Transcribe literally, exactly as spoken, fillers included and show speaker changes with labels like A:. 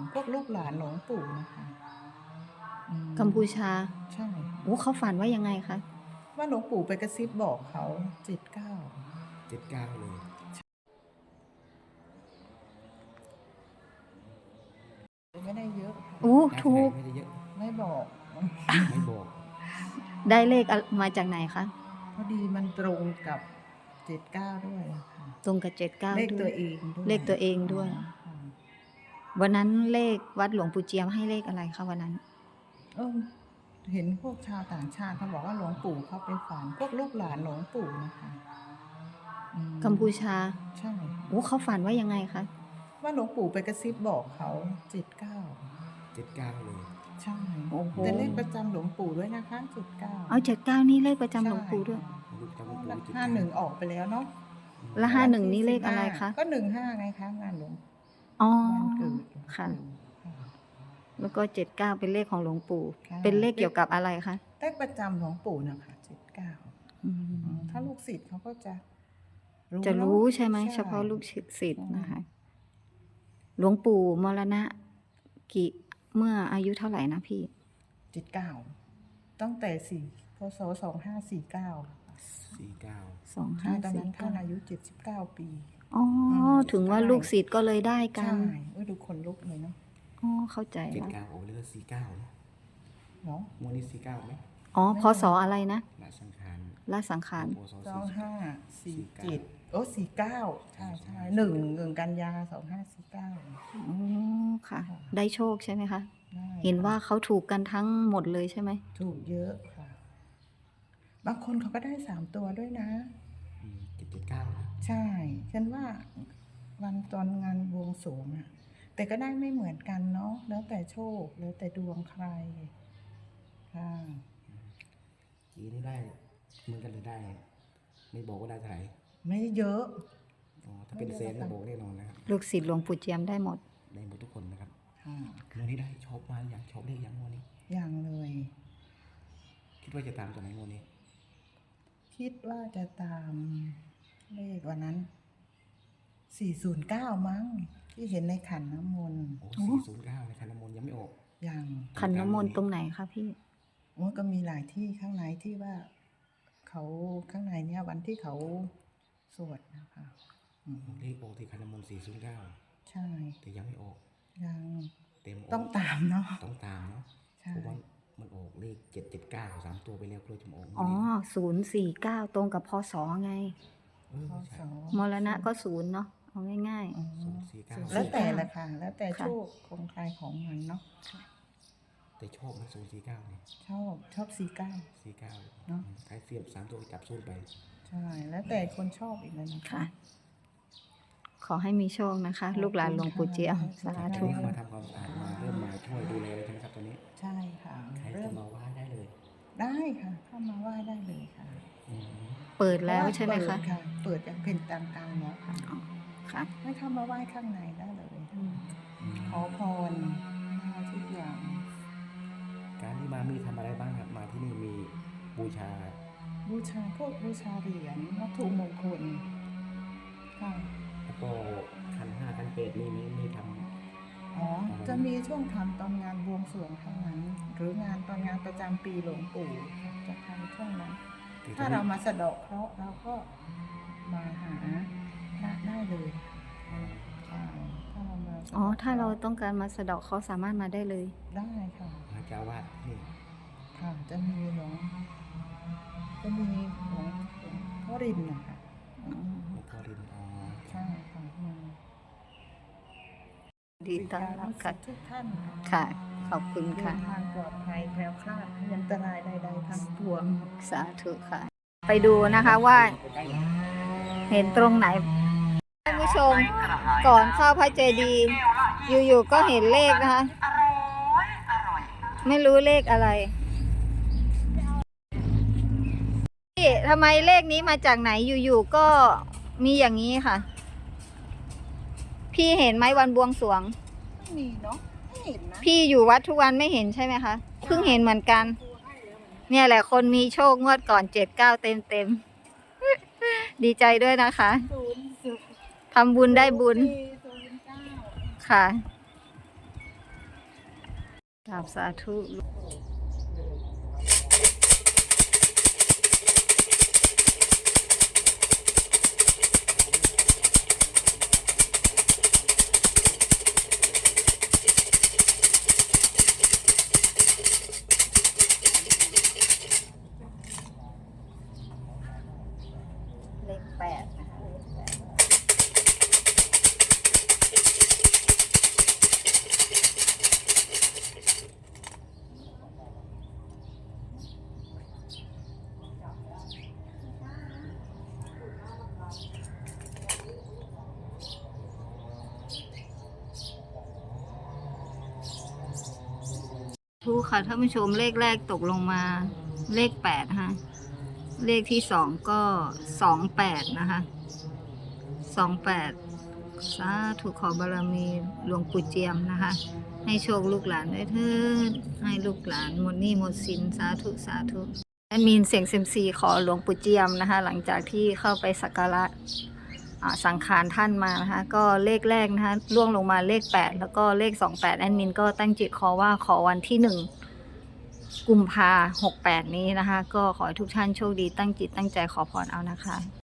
A: พวกลูกหลานหลวงปู่นะคะอืม
B: กัมพูชา
A: ใช่
B: โอ้เขาฝันว่ายังไงคะ
A: ว่าหลวงปู่ไปกระซิบบอกเขาเจ็ดเก้า
C: เจ็ดเก้าเลย
A: ไม่ได้เยอะค่ะ
B: โอ้
C: ได้
B: ถูก
C: ไม่ได้เยอะ
A: ไม่บอก
C: ไม่บอก
B: ได้เลขอะมาจากไหนคะ
A: พอดีมันตรงกับเจ็ดเก้าด้วยอะค่ะ
B: ตรงกับเจ็ดเก้า
A: เลข
B: ด้
A: ตัว วเองด้วย
B: เลขตัวเองด้วย
A: ค่ะ
B: วันนั้นเลขวัดหลวงปู่เจียมให้เลขอะไรคะวันนั้น
A: เออเห็นพวกชาวต่างชาติเขาบอกว่าหลวงปู่เขาไปฝันพวกลูกหลานหลวงปู่นะคะอืม
B: กัมพูชา
A: ใช่
B: โอ้เขาฝันว่ายังไงคะ
A: ว่าหลวงปู่ไปกระซิบบอกเขาเจ็ดเก้า
C: เจ็ดเก้าเลย
A: ใช่
B: โอ้โห
A: แต่เลขประจำหลวงปู่ด้วยนะคะเจ็ดเก้า
B: เอาเจ็ดเก้านี่เลขประจำหลวงปู่ด้วย
C: ลูกจำลูกปู่เจ็ด
A: ห้า
C: เก้า
A: หนึ่งออกไปแล้วเนาะ
B: แล้วห้าหนึ่งนี่เลขอะไรคะ
A: ก็หนึ่งห้าไงคะงานหลวง
B: อ๋อ
A: วันเกิดหลวงปู่
B: ค่ะ
A: ค่ะ
B: แล้วก็เจ็ดเก้าเป็นเลขของหลวงปู่
A: ค่ะ
B: เป็นเลขเกี่ยวกับอะไรคะ
A: เลขประจำหลวงปู่นะคะเจ็ดเก้า
B: อืม
A: ถ้าลูกศิษย์เขาก็จะ
B: จะรู้
A: เนอ
B: ใช่ไหมเฉพาะลูกศิษย์นะคะ หลวงปู่มรณะกี่เมื่ออายุเท่าไหร่นะพี่
A: เจ็ดเก้าตั้งแต่สี่พศสองห้าสี่เก้า
C: สี่เก้า
B: สอง
A: ใช่
B: ห้า
A: ตอน
B: สี่
A: นั้นท่า
B: เก้าน
A: อายุเจ็ดสิบเก้าปี
B: อ๋อ ถึงว่าลูกศิษย์ก็เลยได้กั
A: ใช่
B: น
A: เอ้ยดูคนลุกเลยเนาะ
B: อ๋อ เข้าใจ
C: เจ็ด
B: แล้ว
C: เก้าโอ้เลือกสี่เก้าเนาะ
A: เนาะ
C: งวดนี้สี่เก้าไหม
B: อ๋อ พศอะไรนะ
C: ละสังขาร
B: ละสังขาร
C: โอโซ
A: สองห้าสี่
C: สี่
A: เจ็ด
C: เก้า
A: โอ้สี่เก้าใช่ใช่หนึ่งหนึ่งกันยาสองห้าสี่เก้า
B: อ๋อ ค่ะ ได้โชคใช่ไหมคะ
A: ได้
B: เห็นว่าเขาถูกกันทั้งหมดเลยใช่ไหม
A: ถูกเยอะค่ะ บางคนเขาก็ได้สามตัวด้วยนะ
C: เจ็ดเจ็ดเก้า
A: ใช่ ฉันว่าวันตอนงานบวงสรวงอะแต่ก็ได้ไม่เหมือนกันเนาะ แล้วแต่โชค แล้วแต่ดวงใคร ค่ะ
C: จีนี่ได้เหมือนกันเลยได้ ไม่บอกว่าได้เท่าไหร่
A: ไม่เยอะ
C: อ๋อถ้าเป็นแสนก็บอกแน่นอนนะครับ
B: ลูกศิษย์หลวงปู่เจียมได้หมด
C: ได้หมดทุกคนนะครับ
A: ค่ะ
C: งวดนี้ได้ชอบมาหรือยังชอบเลขยังงวดนี้
A: อย่างเลย
C: คิดว่าจะตามตัวไหนงวดนี้
A: คิดว่าจะตามเลขวันนั้น สี่ศูนย์เก้ามั้ง ที่เห็นในขันน้ำมนต์
C: โอ้สี่ศูนย์เก้าในคันน้ำมนต์ยังไม่ออก
A: อย่าง
B: ขันน้ำมนต์ตรงไหนคะพี่
A: โอ้ยก็มีหลายที่ข้างในที่ว่า เขาข้างในเนี่ยวันที่เขาสวดนะคะอืม
C: เลขออกที่คันน้ำมนต์สี่ศูนย์เก้า
A: ใช่
C: แต่ยังไม่ออก
A: ยัง
C: เต็มก
A: ต้องตามเนาะ
C: ต้องตามเนาะ
A: ใช่
C: เพราะว่ามันออกเลขเจ็ดเจ็ดเก้าสามตัวไปแล้วกลัวจะมาออกงวด
B: อ๋อ
C: นี้
B: ศูนย์สี่เก้าตรงกับพศไง
C: เออ
A: พศ
C: ใช่
B: มรณะก็ศูนย์เนาะ เอาง่าย
A: อ๋อ
C: ศูนย์สี่เก้า
A: แล้วแต่ละค่ะ แล้วแต่
B: ค่ะ
A: โชคของใครของมันเนาะ
C: แต่ชอบนะศูนย์สี่เก้าเนี่ย
A: ชอบชอบสี่เก้า
C: สี่เก้า
A: เนอะ
C: ท้ายเสียบสามตัวจับศูนย์ไป
A: ใช่ แล้วแต่คนชอบอีกแล้วนะ
B: ๆ ค่ะ ขอให้มีโชคนะคะ ลูกหลานหลวงปู่เจียม สา
C: ตอน
B: ธุ
C: นี้มาทำความสะอาดมาเริ่มมาช่วยดูแลเลยใช่ไหมครับตอนนี้
A: ใช่ค่ะ
C: ใคร
A: เริ่
C: จะ
A: ม
C: มาไหว้ได้เลย
A: ได้ค่ะเข้ามาไหว้ได้เลยค่ะ
C: อืม
B: เปิดแล้วใช่ไหม
A: เปิ
B: คะ
A: ดค่ะ เปิดอย่างเป็นทางการแล้วค่ะ
B: อ๋อ ค่ะ
A: ให้เข้ามาไหว้ข้างในได้เลย ขอพรได้ทุกอย่าง
C: การที่มามีทำอะไรบ้างครับมาที่นี่มีบูชา
A: บูชาพวกบูชาเหรียญวัตถุมงคลค่ะ
C: แล้วก็คันห้าคันเปดนี่มีมีท
A: อ๋อ จะมีช่วงทำตอนงานบวงสรวงเท่านั้น หรืองานตอนงานประจำปีหลวงปู่จะทำช่วงนั้น
C: ำที่
A: ถ้าเรามาสะเดาะเคราะห์เราก็มาหาพระได้เลยใช่ถ้าเรามาสะดะ
B: อ๋อ ถ้าเราต้องการมาสะเดาะเขาสามารถมาได้เลย
A: ได้ค่ะ
C: พระเจ้าวาดนี่
A: ค่ะ จะมีหลวงจะมีหลวงหลวงพ่อรินนะคะอืม
C: หลวงพ่อรินอ๋อ
A: ใช่ค่ะอืม
B: ดีต้อนรับค่ะ
A: ทุกท่านค่ะ
B: ค่ะ ขอบคุณ
A: เดิ
B: ค่ะ
A: นทางปลอดภัยแคล้วคลาดอันตรายใดๆทั้งปวง
B: สาธุค่ะ ไปดูนะคะว่า เห็นตรงไหนท่านผู้ชมก่อนเข้าพระเจดีย์อยู่ๆก็เห็นเลขนะคะ ไม่รู้เลขอะไรพี่ทำไมเลขนี้มาจากไหนอยู่ๆก็มีอย่างนี้ค่ะ พี่เห็นไหมวันบวงสรวง
A: ไม่มีเนาะไม่เห็นนะ
B: พี่อยู่วัดทุกวันไม่เห็นใช่ไหมคะเพิ่งเห็นเหมือนกัน เนี่ยแหละคนมีโชคงวดก่อนเจ็ดเก้าเต็มเต็มๆ ดีใจด้วยนะคะ
A: ศูนย์ศูนย์
B: ทำบุญได้บุญ
A: สี่ศูนย์เก้า
B: ค่ะกราบสาธุเลขแปดนะคะเลขแปดทูค่ะท่านผู้ชมเลขแรกตกลงมาเลขแปดฮะเลขที่สองก็สองแปดนะคะสองแปดสาธุขอบารมีหลวงปู่เจียมนะคะ ให้โชคลูกหลานด้วยเถิดให้ลูกหลานหมดหนี้หมดสินสาธุสาธุแอดมินเสียงเซยมซีขอหลวงปู่เจียมนะคะ หลังจากที่เข้าไปสักการะอ่าสังขารท่านมานะคะ ก็เลขแรกนะคะล่วงลงมาเลขแปดแล้วก็เลขสองแปดแอดมินก็ตั้งจิตขอว่าขอวันที่หนึ่งกุมภาหกแปดนี้นะคะ ก็ขอให้ทุกท่านโชคดีตั้งจิตตั้งใจขอพรเอานะคะ